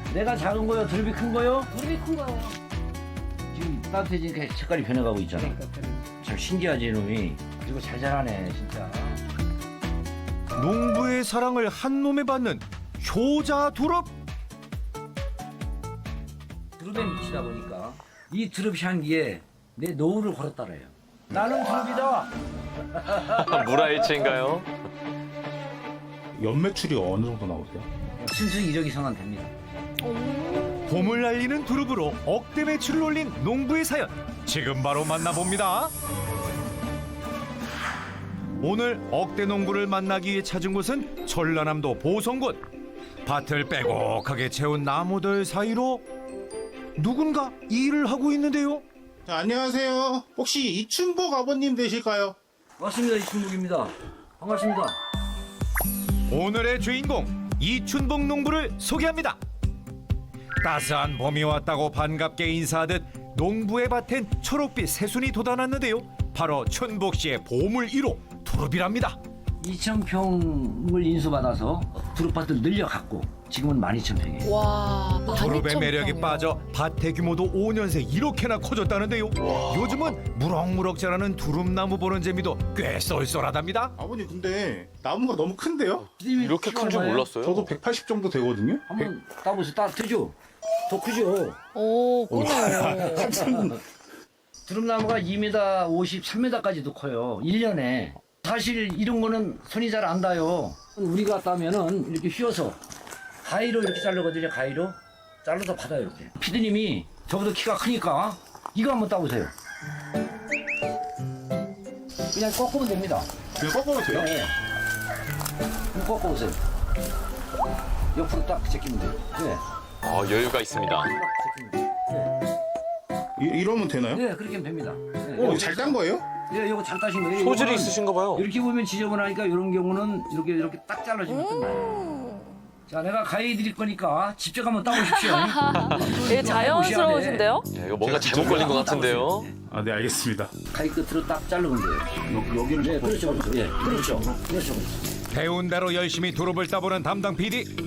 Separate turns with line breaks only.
내가 작은 거요? 두릅이 큰 거요?
두릅이 큰 거예요.
지금 따뜻해지니까 색깔이 변해가고 있잖아.
그러니까
참 신기하지 이놈이. 그리고 잘 자라네 진짜.
농부의 사랑을 한 몸에 받는 효자 두릅.
두릅에 미치다 보니까 이 두릅 향기에 내 노후를 걸었다래요. 나는 두릅이다.
물화일체인가요?
연매출이 어느 정도 나오세요?
순수 1억 이상은 됩니다.
봄을 날리는 두릅으로 억대 매출을 올린 농부의 사연 지금 바로 만나봅니다. 오늘 억대 농부를 만나기 위해 찾은 곳은 전라남도 보성군. 밭을 빼곡하게 채운 나무들 사이로 누군가 일을 하고 있는데요.
자, 안녕하세요. 혹시 이춘복 아버님 되실까요?
맞습니다. 이춘복입니다. 반갑습니다.
오늘의 주인공 이춘복 농부를 소개합니다. 따스한 봄이 왔다고 반갑게 인사하듯 농부의 밭엔 초록빛 새순이 돋아났는데요. 바로 춘복 씨의 보물 1호 두릅이랍니다.
2,000평을 인수받아서 두릅밭을 늘려갔고 지금은 12,000평이에요.
와,
두릅의 매력이 빠져 밭의 규모도 5년 새 이렇게나 커졌다는데요. 요즘은 무럭무럭 자라는 두릅나무 보는 재미도 꽤 쏠쏠하답니다.
아버님 근데 나무가 너무 큰데요?
이렇게 큰 줄 몰랐어요.
저도 180 정도 되거든요?
한번 따보세요. 따뜻죠? 더 크죠?
오, 그러네요.
두릅나무가 2m 50, 3m까지도 커요. 1년에. 사실 이런 거는 손이 잘 안 닿아요. 우리가 따면은 이렇게 휘어서 가위로 이렇게 자르거든요. 가위로. 잘라서 받아요. 이렇게. 피디님이 저보다 키가 크니까 이거 한번 따보세요. 그냥 꺾으면 됩니다.
그냥 꺾어도 돼요?
네. 그럼 꺾어보세요. 옆으로 딱 제끼면 돼요. 네.
여유가 있습니다.
딱 제끼면 돼요.
이러면 되나요?
네. 네, 그렇게 하면 됩니다. 네.
잘 딴 거예요?
네, 이거 잘 따신 거예요.
소질이
이거는
있으신가 봐요.
이렇게 보면 지저분하니까 이런 경우는 이렇게 딱 잘라주면 끝나요. 자, 내가 가위 드릴 거니까 직접 한번 따보십시오.
되게 자연스러우신데요?
이거 뭔가 잘못 걸린 것 같은데요.
아, 네, 알겠습니다.
가위 끝으로 딱 자르면 돼요. 여기를 네, 그렇죠, 그렇죠. 예, 그렇죠, 그렇죠.
배운 대로 열심히 두릅을 따보는 담당 PD.